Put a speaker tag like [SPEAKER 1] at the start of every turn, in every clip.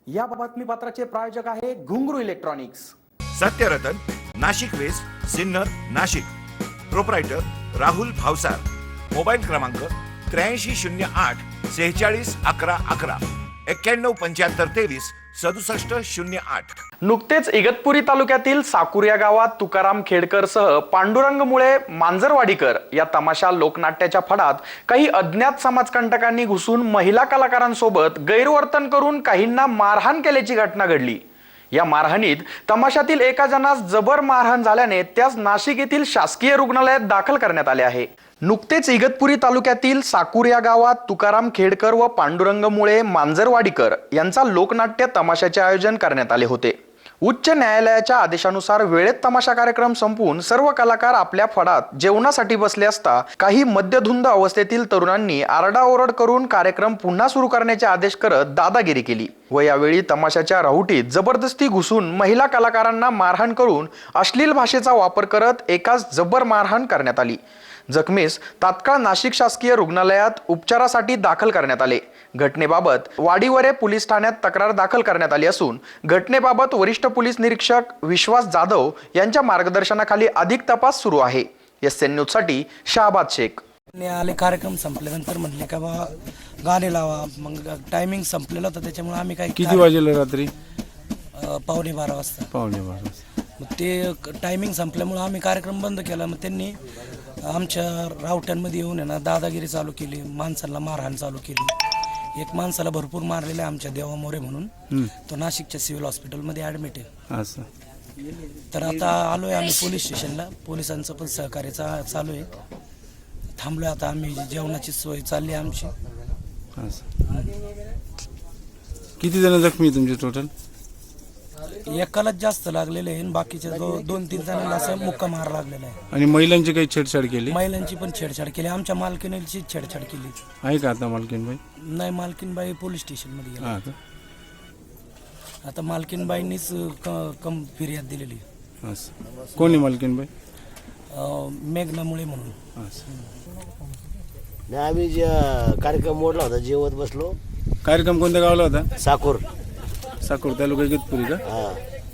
[SPEAKER 1] या बातमीपत्राचे प्रायोजक आहे Ghungroo electronics.
[SPEAKER 2] Satyaratan, Nashik west, Sinnar, Nashik. Proprietor Rahul Bhavsar. Mobile क्रमांक 8308 46 11 11 91 75 23 67 08।
[SPEAKER 1] नुकतेच इगतपुरी तालुक्यातील साकूर या गावात तुकाराम खेडकर सह पांडुरंग मुळे मांजरवाडीकर या तमाशा लोकनाट्याच्या फडात काही अज्ञात समाजकंटकांनी घुसून महिला कलाकारांसोबत गैरवर्तन करून काहींना मारहाण केल्याची घटना घडली। या मारहाणीत तमाशातील एका जणास जबर मारहाण झाल्याने त्यास नाशिक येथील शासकीय रुग्णालयात दाखल करण्यात आले आहे। नुकतेच इगतपुरी तालुक्यातील साकूर या गावात तुकाराम खेडकर व पांडुरंग मुळे मांजरवाडीकर यांचा लोकनाट्य तमाशाचे आयोजन करण्यात आले होते। उच्च न्यायालयाच्या आदेशानुसार वेळेत तमाशा कार्यक्रम संपवून सर्व कलाकार आपल्या फडात जेवणासाठी बसले असता काही मद्यधुंद अवस्थेतील तरुणांनी आरडाओरड करून कार्यक्रम पुन्हा सुरू करण्याचे आदेश करत दादागिरी केली व यावेळी तमाशाच्या राहुटीत जबरदस्ती घुसून महिला कलाकारांना मारहाण करून अश्लील भाषेचा वापर करत एकास जबर मारहाण करण्यात आली। जखमीस तात्काळ नाशिक शासकीय रुग्णालयात उपचारासाठी दाखल करण्यात आले। घटनेबाबत वाडीवरे पोलीस ठाण्यात तक्रार दाखल करण्यात आली असून घटनेबाबत वरिष्ठ पोलीस निरीक्षक विश्वास जाधव यांच्या मार्गदर्शनाखाली अधिक तपास सुरू आहे। एसएन न्यूज साठी शाहबाद शेख।
[SPEAKER 3] आले कार्यक्रम संपल्यानंतर म्हटले का बा गाणे लावा, मग टायमिंग संपलेलं होतं त्याच्यामुळे आम्ही काय
[SPEAKER 4] किती वाजेला रात्री?
[SPEAKER 3] 11:15 वाजता।
[SPEAKER 4] 11:15 वाजता।
[SPEAKER 3] मग ते टायमिंग संपल्यामुळे आम्ही कार्यक्रम बंद केला। मग त्यांनी आमच्या रावट्यांमध्ये येऊन आहे ना दादागिरी चालू केली, माणसाला मारहाण चालू केली। एक माणसाला भरपूर मारलेलं आहे आमच्या देवा मोरे म्हणून, तो नाशिकच्या सिव्हिल हॉस्पिटलमध्ये ॲडमिट आहे।
[SPEAKER 4] असं
[SPEAKER 3] तर आता आलोय आम्ही पोलीस स्टेशनला, पोलिसांचं पण सहकार्य चालू आहे। थांबलोय आता आम्ही, जेवणाची सोय चालली आहे आमची।
[SPEAKER 4] असं किती जण जखमी तुमचे टोटल?
[SPEAKER 3] एकालाच जास्त लागलेले आहे, बाकीच्या 2-3 जणांना असं मुक्का मार लागलेला आहे।
[SPEAKER 4] आणि महिलांची काही छेडछाड केली?
[SPEAKER 3] महिलांची पण छेडछाड केली, आमच्या मालकीणीची छेडछाड केली
[SPEAKER 4] आहे का आता मालकीनबाई?
[SPEAKER 3] नाही, मालकीनबाई पोलीस स्टेशनमध्ये गेली।
[SPEAKER 4] हा का?
[SPEAKER 3] आता मालकीनबाईंनीच फिर्याद दिलेली।
[SPEAKER 4] असं कोणी मालकीनबाई?
[SPEAKER 3] मेघनामुळे म्हणून।
[SPEAKER 4] असं
[SPEAKER 5] आम्ही जे कार्यक्रम मोडला होता, जेवत बसलो।
[SPEAKER 4] कार्यक्रम कोणत्या गावाला होता?
[SPEAKER 5] साकूर
[SPEAKER 4] तालुका इगतपुरी का?
[SPEAKER 5] हा।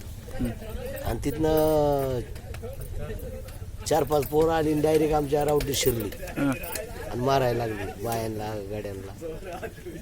[SPEAKER 5] आणि तिथनं 4-5 पोरं आली डायरेक्ट आमच्या रावटीत शिरली आणि मारायला लागली बायांना, गाड्यांना।